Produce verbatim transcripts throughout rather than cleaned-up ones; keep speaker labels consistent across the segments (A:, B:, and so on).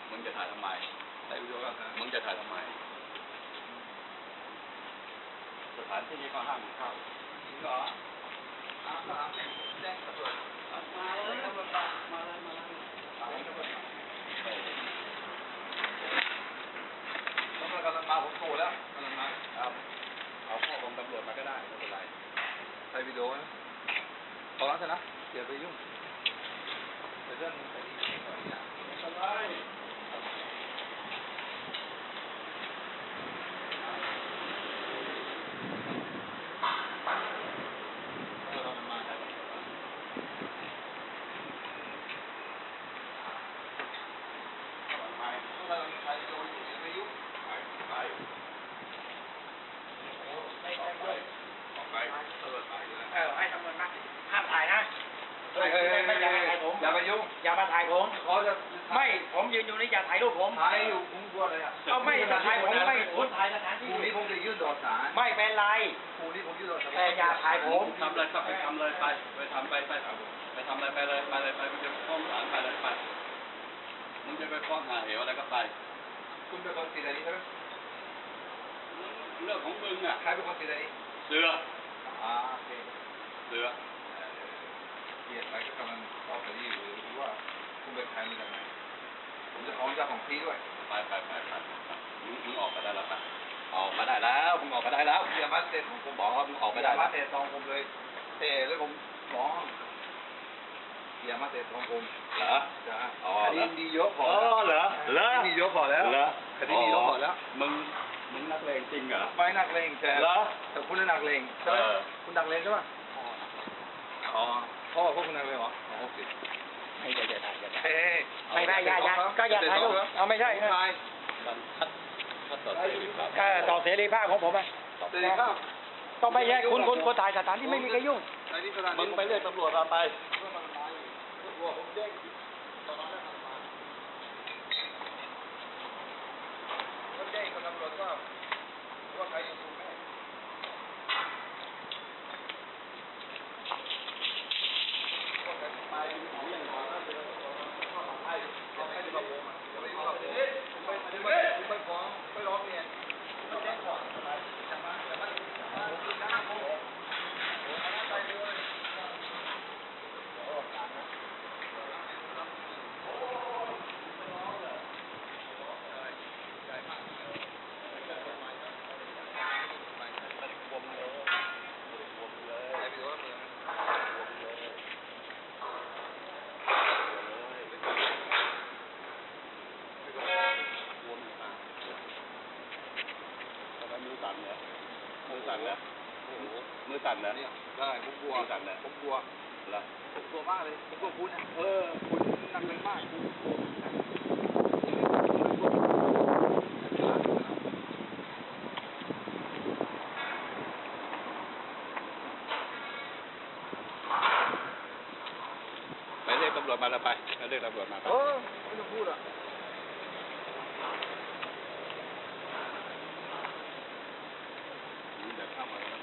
A: มึงจะถ่ายทำไมได้วิดีโอก็มึงจะถ่ายทำไมสถานที่นี้ก็ห้ามเข้าจริงเหรออาสามแจ้งตำรวจมาเลยตำรวจมาเลยมาเลยมาเลยตำรวจตำรวจกำลังมาผมโตแล้วกำลังมาครับเอาข้อของตำรวจมาก็ได้ไม่เป็นไรใช้วิดีโอนะพอแล้วใช่ไหมอย่าไปยุ่งแต่เรื่องคดีอะไรอย่างไม่เป็นไร
B: ให้ตำรวจมาห้ามถ่ายนะไม่ไม่อย่าถ่ายผม
A: อย่าไปยุ่ง
B: อย่ามาถ่ายผม
A: เขาจะ
B: ไม่ผมยืนอยู่นี่อย่าถ่ายรูปผม
A: ถ่ายอยู่ผมกลัวเลยอ่ะ
B: เอาไม่ถ่ายผมไม่คุณถ่ายสถานที่
A: พรุ่งนี้ผมจะยื่นต่อศาล
B: ไม่เป็นไร
A: พรุ่งนี้ผมยื่นต่อศาล
B: แต่อย่าถ่ายผม
A: ทำเลยก็ไปทำเลยไปไปทำไปไปไปทำอะไรไปเลยไปเลยไปมึงจะฟ้องศาลไปเลยไปมึงจะไปฟ้องหาเหวอะไรก็ไปคุณเป็นคนติดอะไรใช่ไหมเรื่องของมึงอ่ะใครเป็นคนติดอะไรเสืออ่าโอเคเสือเกียรติไปก็กำลังต่อคดีหรือว่าคุณเป็นใครมาจากไหนผมจะฟ้องเจ้าของที่ด้วยไปไปไปไปมึงมึงออกมาได้แล้วปะออกมาได้แล้วมึงออกมาได้แล้วอย่ามาเตะผมบอกว่ามึงออกมาได้มาเตะทองผมเลยเตะแล้วผมฟ้องอย่ามาเตะทองผมเหรอจ้าอ๋อคดีดีเยอะพอเหรอเหรอคดีเยอะพอแล้วเหรอคดีดีเยอะพอแล้วมึงมึงนักเลงจริงเหรอไม่นักเลงแต่เหรอแต่คุณนักเลงใช่ไหมคุณนักเลงใช่ไหมอ๋อพ่อพวกคุณนักเลงเหรอโอเค
B: ไม่อย่าอย่าถ่ายอย่าถ่าย
A: ไม่
B: ไม่อย่าอย่าก็อย่าถ่ายเอาไม่ใช่
A: ถ่าย
B: ก็ต่อเสรีภาพของผมอ่ะ
A: เสรีภาพ
B: ต้องไม่แยกคุณคุณคนถ่ายสถานที่ไม่มีใครยุ่ง
A: มึงไปเรียกตำรวจมาไปแจ้งกับตำรวจว่าว่าใครอยู่ตรงไหนว่าใครไปของอย่างไรนะเป็นข้อหาไอ้เอาใครจะมาโกงอ่ะจะไม่ฟ้องเฮ้ยผมไปผมไปผมไปฟ้องไปร้องเรียนแจ้งก่อนไปจะมาจะมาจะมาคุณน้าโกงโอ้ยไปเลยโอ้การนะมือสั่นเนี่ยมือสั่นแล้วโอ้โหมือสั่นแล้วเนี่ยได้ผมกลัวสั่นแล้วผมกลัวเหรอผมกลัวมากเลยผมกลัวคุณเนี่ยเออคุณหนักเลยมากไปเรียกตำรวจมาแล้วไปไปเรียกตำรวจมาเออไม่ต้องพูดอ่ะเข้ามาแล้ว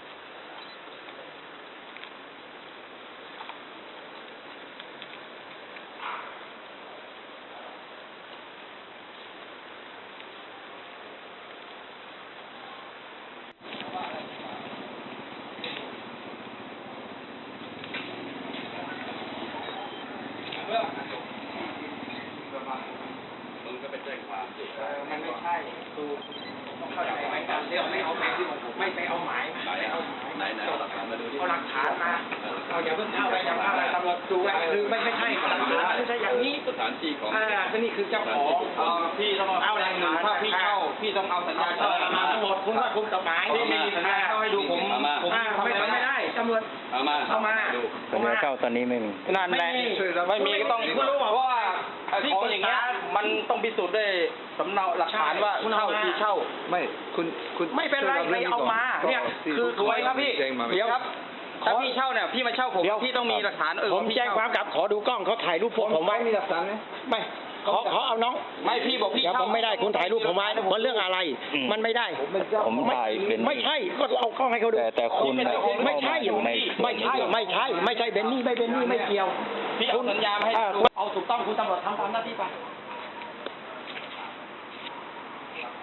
A: มึงก็ไปแจ้งความสิ
B: มันไม่ใช่ดูต้องเข้าใจไหมการเรียกไม่เอาหมายไม่ไปเอาหมายไม่เอาหมาย
A: ไหนไหนเอาหลักฐานมาดูดิ
B: เอาหลักฐานมาเราอย่าเพิ่งเข้าไปอย่าเข้าไปตำรวจดูว่าคือไม่ไม่ใช่หลักฐานไม่ใช่อย่างนี้
A: สถานที่ของ
B: อ่าก็นี่คือเจ้าของ
A: พี่ต้องเอาหลักฐานถ้าพี่เช่าพี่ต้องเอาสัญญาเช่า
B: มาทั้งหมดคุณว่าคุณกฎหมาย
A: ที่มีสัญญาเช่าให้ดูผม
B: ผมไม่ไม่ได้ตำรวจ
A: เอามา
B: เอามา
C: สัญญาเช่าตอนนี้ไม่มี
A: นั่นแหละไม่มีก็ต้องคุณรู้ว่าของอย่างเงี้ยมันต้องพิสูจน์ด้วยสำเนาหลักฐานว่าเช่าที่เช่าไม่คุณคุณ
B: ไม่เป็นไรไปเอามาเนี่ยคือ
A: ถูกไหมครับพี่เดี๋ยวครับถ้าพี่เช่าเนี่ยพี่มาเช่าผมพี่ต้องมีหลักฐานเออ
B: ผมแจ้งความกลับขอดูกล้องเขาถ่ายรูปพวกผมไว้
A: มีหลักฐานไหม
B: ไม่ขอขอเอาน้อง
A: ไม่พี่บอกพี่เช่า
B: ผมไม่ได้คุณถ่ายรูปผมไว้เพราะเรื่องอะไรมันไม่ได้
C: ผมถ่ายเป็น
B: ไม่ใช่ก็เอากล้องให้เขาดู
C: แต่แต่คุณ
B: ไม่ใช่ไม่ใช่ไม่ใช่ไม่ใช่เบนนี่ไม่เบนนี่ไม่เกี่ยว
A: พี่เอาสัญญามาให้
B: เอาถูกต้องคุณตำรวจทำตามหน้าที่ไป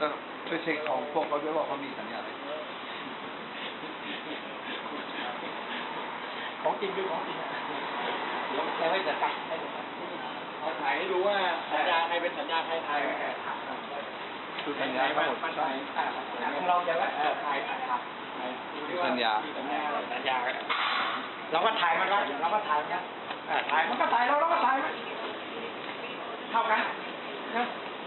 A: ก็ช่วยเช็คของพวกเขาด้วยว่าเขามีสัญญาอะไร
B: ของจริงคือของจริงเดี๋ยวจะให้จะตัดให้ดูเอาถ่ายให้ดูว่าสัญญาใครเป็นสัญญาใครถ่าย
A: คือสัญญาทั้งหมด
B: มันถ่ายของเราจะว่าถ่ายถ่ายถ่าย
A: สัญญา
B: สัญญาสัญญาเราก็ถ่ายมันไว้เราก็ถ่ายมันถ่ายมันก็ถ่ายเราเราก็ถ่ายมันเท่ากันนะ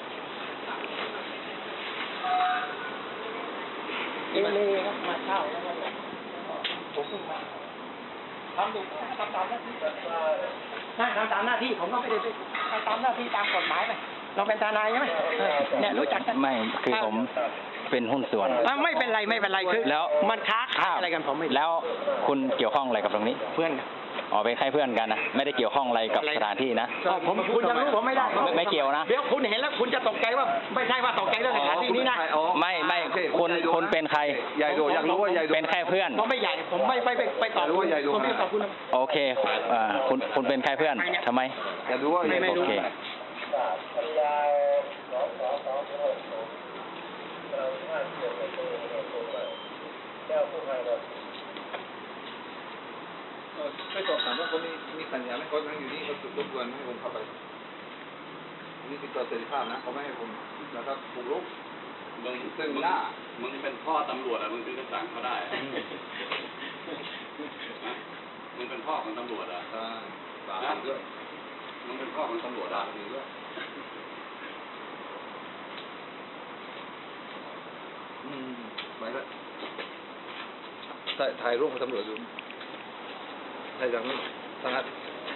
B: เอเล่ครับมาเช่าแล้วก็ผมเพิ่งมาทำดูทำตามหน้าที่น่าทำตามหน้าที่ผมก็ไม่ได้ทำตามหน้าที่ตามกฎหมายไปเราเป็นทนายใช่ไหมเนี่ยรู้จักกัน
C: ไม่คือผมเป็นหุ้นส่วน
B: อ่ะไม่เป็นไรไม่เป็นไรคือ
C: แล้ว
B: มันค้าขายอะไรกันผมไม่
C: แล้วคุณเกี่ยวข้องอะไรกับตรงนี้
B: เพื่อนกัน
C: อ๋อเป็นแค่เพื่อนกันนะไม่ได้เกี่ยวข้องอะไรกับสถานที่นะ
B: อ๋อผมคุณจะรู้ผมไม่ได้
C: ไม่ไม่เกี่ยวนะ
B: เดี๋ยวคุณเห็นแล้วคุณจะตกใจว่าไม่ใช่ว่าตกใจเรื่องสถานที่นี้นะ
C: ไม่ไม่คุณคุณเป็นใคร
A: ใหญ่โดอยากรู้ว่าใหญ่โด
C: เป็นแค่เพื่อน
B: ผมไม่ใหญ่ผมไม่ไปไปไปตอบ
A: รู้ว่าใหญ่โด
B: ผมไม่ตอบคุณ
C: โอเคอ่าคุณคุณเป็นแค่เพื่อนทำไม
A: อยากรู้ว่าใหญ่โด
C: โอเค
A: ไม่สอบถามว่าเขามีมีสัญญาไหมเขานั่งอยู่นี่เขาจุดรบกวนไม่ให้ผมเข้าไปนี่คือตัวเสรีภาพนะเขาไม่ให้ผมนะครับปลุกรุก
D: มึง
A: ซึ่ง
D: มึง
A: หน้า
D: มึงเป็นพ่อตำรวจอ่ะมึงถึงจะสั่งเขาได้อะฮะมึงเป็นพ่อของตำรวจอ่ะ
A: อ่าบาปด้วย
D: มึงเป็นพ่อของตำรวจ
A: บา
D: อ่ะ
A: ปด้วยอืมไปแล้วถ่ายถ่ายรูปกับตำรวจดูถ่ายจากนี้ทางนั้น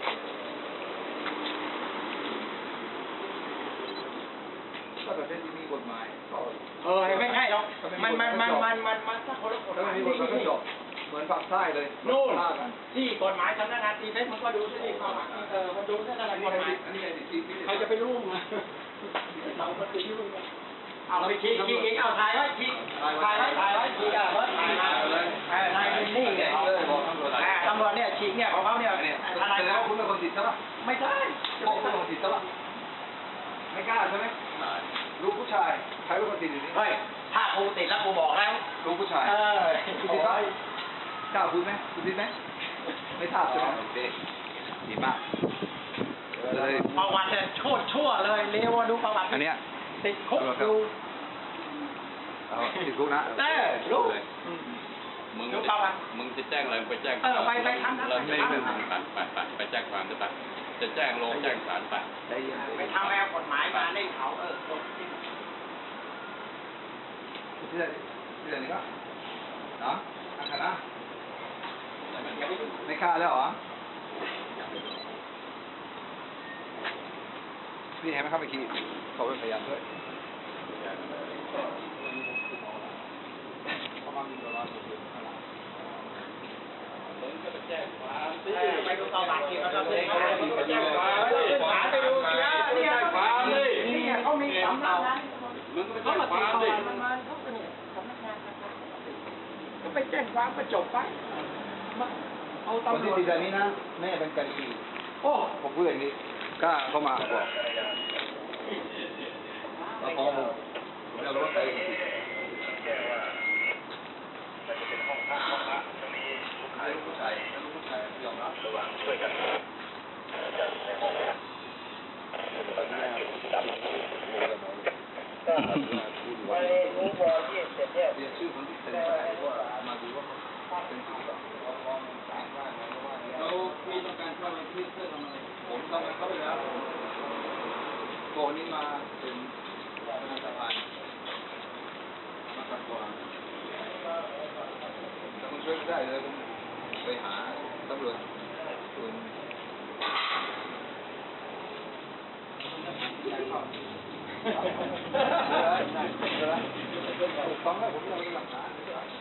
A: ถ้าประเทศที่มีกฎหมายก็
B: เออไม่ใช่หรอกมันมันมันมันมันมันถ้าคนละกฎห
A: ถ้า
B: มา
A: ไม่
B: ย
A: มีกฎหมายก็จบเหมือนฝั่งใต้เลย
B: นู่น
A: ฆ่ากัน
B: ที่กฎหมายสำนักงานตีเพชรมันก็ดูที่เข้ามาเออมันดูที่อะไร
A: อัน
B: ก
A: นี้
B: ฎหมาย
A: อันนี้ไอ้ที่ที่
B: ใครจะไปรู้มาเราก็ตีรู้กันเอาไปชี้ชี้ชี้เอาถ่ายไว้ชี้ถ่ายไว้ถ่ายไว้ชี้อ่ะเบิร์ดถ่ายมาเลยเออนายเป็นนี่ไง
A: เลยบอกตำรวจ
B: อ่าตำรวจเนี่ยชี้เนี่ยของเขาเนี่ย
A: เนี่ย
B: อะไร
A: แสดง
B: เขา
A: ว่าคุณเป็นคนติดใช่ปะ
B: ไม่ใช่
A: พวกคุณเป็นคนติดใช่ปะไม่กล้าใช่ไหมลูกผู้ชายใครเป็นคนติดอยู่นี่
B: เฮ้ยถ้ากูติดแล้วกูบอกแล้ว
A: ลูกผู้ชาย
B: เออ
A: คุณติดปะกล้าพูดไหมคุณติดไหมไม่ทราบใช่ไหมโอเคดีมากเลย
B: ประวัติเนี่ยโคตรชั่วเลยเลวดูประวัติ
A: อันเนี้ย
B: ติดคุกดู
A: เอาติดคุกนะ
B: เออรู้
D: มึง
B: ดูประวัติ
D: มึงจะแจ้งอะไรไปแจ้ง
B: เออไปไปทำนะ
D: แล้ว
B: ไป
D: ไม่
B: ทำ
D: ไม่ไปไปไปไปแจ้งความจะไปจะแจ้งลงแจ้งศาลไป
A: ใจเย็น
B: ไปทำแนวกฎหมายมาได้เขาเออ
A: ที่ไหนที่ไหนนี่ก็เนาะอังคณะไม่ฆ่าแล้วเหรอพี่เห็นไหมครับเมื่อกี้เขาเป็นพยานด้วยเขามามีตัวร้อนอยู่ข้างหลัง
B: ไปดูประวัติที่เขาจะเลยไปแจ้งความไปดูเนี่ยเนี่ยเนี่ยเขามีสำนักงาน
D: มึงก็ไป
B: เขา
D: แจ้ง
B: มา
D: ค
B: ติด
D: วาม
B: ต่อ
D: ดิ
B: มันมาเขาก็เนี่ยสำนักงานก็ไปแจ้งความก็จบไปเอา
A: คน
B: ตำร
A: ที่
B: วจ
A: ติดแบบนี้นะแม่เป็นกะลี
B: โอ้
A: ผมพูดอย่างนี้กล้าเข้ามาบอกแล้วพอผมผมจะรู้ว่าใครเป็นคนผิดใครลูกผู้ชายลูกผู้ชายยอมรับระวังช่วยกันเรียนชื่อคนที่เซ็นไปว่ามาดูว่าเขาเป็นผู้ก่อเรามีต้องการเข้าไปที่เพื่อทำอะไรผมทำงานเข้าไปแล้วโกนี้มาเป็นประธานสภามาขัดขวางถ้าคุณช่วยไม่ได้เลยผมไปหาตำรวจคุณถูกต้องแล้วผมยังมีหลักฐาน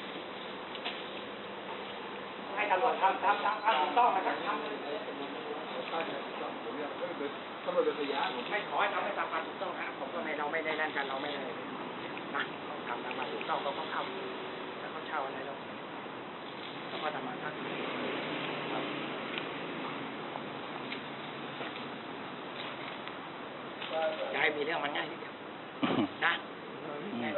B: ให้ตำรวจทำทำทำทำถูกต้องนะครับทำเลย
A: ผมยังไม่เป็นตำรวจเป็นพยานผม
B: ไม่ขอให้ทำให้ตามความถูกต้องนะผมก็ไม่เราไม่ได้นั่นกันเราไม่ได้นะต้องทำตามความถูกต้องเขาต้องเข้าถ้าเขาเช่าอะไรเราเขาก็ทำมาทักจะให้มีเรื่องมันง่ายนิดเดียวนะง่าย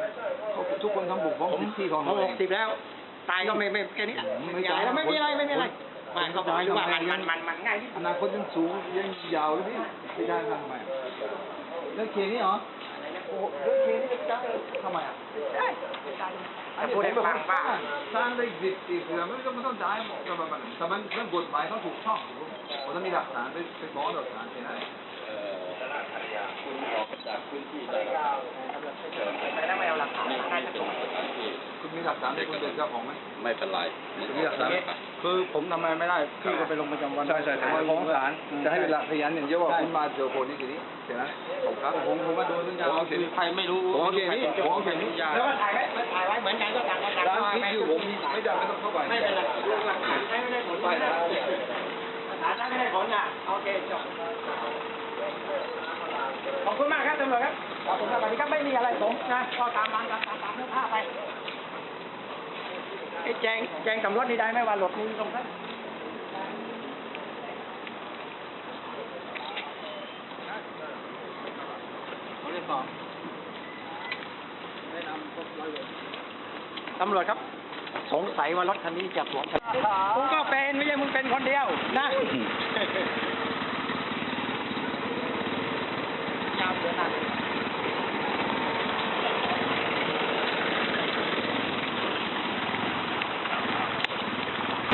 A: ทุกคนทำบุกฟ้องสิทธิของ
B: ผม
A: เรา
B: ห
A: เอก ง
B: สิบแล้ว ตายก็ไม่ไม่แค่นี้
A: ไม่
B: ไม่
A: ตาย
B: อะไรไม่มีอะไรไม่มีอะไร
A: ผม
B: ไม่ก็บอกอยู่ว่ามันมันมันมันง่ายที่
A: อนาคตยังสูงยังยาวเลยพี่ไม่ได้ทำไมเรื่องเคนี่เหรอโอ้เรื่องเคนี่จะทำไมอ่ะ
B: ได้แต่พูดให้ฟังว่า
A: สร้างได้สิบปีเกือบไม่ต้องไม่ต้องจ่ายหมดแต่มันแต่มันเรื่องกฎหมายเขาถูกช่องผมต้องมีหลักฐานไปไปฟ้องหลักฐานแค่นั้น
D: เอ่อคุณออกจากพื้นที่ได้แล้ว
B: ไม่ได้ไม่เอาหลักฐาน
D: นี่
B: ได้
D: ที่
B: จะ
D: ตรงสถานที่
A: คุณมีหลักฐานคุณเป็นเจ้าของไหม
D: ไม่เป็นไร
A: คุณมีหลักฐาน
E: คือผมทำอะไรไม่ได้พี่ก็ไปลงประจำวัน
A: ใช่ใช่แต่ว่า
E: ฟ้องศาล
A: จะให้เป็นหลักพยานอย่างเดียวว่าคุณมาเจอคนนี้ทีนี้แค่นั้นผมครับผมผมมาโดนเรื่องยา
E: ผม
A: เอา
E: คื
A: เขีย
E: อน ใครไม่รู้
A: ผมเอาเขียนนี้ผมเอาเขียนนี้
B: แล้วก็ถ่ายไว้ถ่ายไว้เหมือนกันก็ต่างกันต่าง
A: ร้าน
B: กัน
A: พริกอยู่ผมไม่ได้ไม่ต้องเข้าไป
B: ไม่เป็นไรเรื่องหลักฐานใช้ไม่ได้ผลไม่ได้หลักฐานใช้ไม่ได้ผลนะโอเคจบขอบคุณมากครับตำรวจครับขอบคุณครับสวัสดีครับไม่มีอะไรผมนะก็ตามนั้นตามตามตามเนื้อผ้าไปไอ้แจงแจงสำรวจนี่ได้ไหมว่าหลบนี้ตรงนั้น ตำรวจครับ สงสัยว่ารถคันนี้จะสวมผมก็เป็นไม่ใช่มึงเป็นคนเดียวนะ